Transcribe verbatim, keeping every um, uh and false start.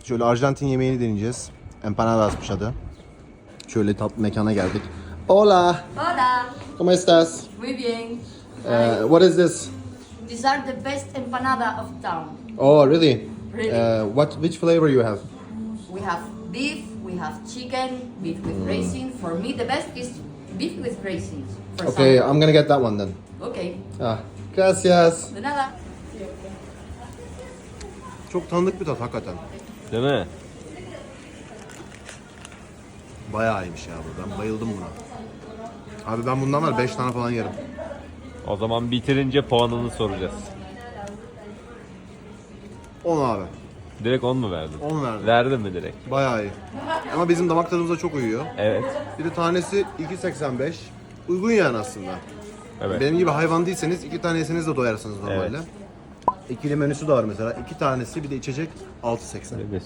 Şöyle Arjantin yemeğini deneyeceğiz. Empanadasmış adı. Şöyle tatlı mekana geldik. Hola. Hola. ¿Cómo estás? Muy bien. Uh, what is this? These are the best empanada of town. Oh, really? Really. Uh, what? Which flavor you have? We have beef, we have chicken, beef with raisins. For me, the best is beef with raisins. For Okay, some. I'm gonna get that one then. Okay. Ah, gracias. De nada. Çok tanıdık bir tat hakikaten. Değil mi? Bayağı iyiymiş ya bu. Ben bayıldım buna. Abi ben bundan var beş tane falan yerim. O zaman bitirince puanını soracağız. on abi. Direkt on mu verdin? on verdim. Verdin mi direkt? Bayağı iyi. Ama bizim damak tadımıza çok uyuyor. Evet. Bir de tanesi iki seksen beş. Uygun yani aslında. Evet. Benim gibi hayvan değilseniz iki tane yeseniz de doyarsınız normalde. Evet. İkili menüsü de var mesela. İki tanesi bir de içecek altı seksen.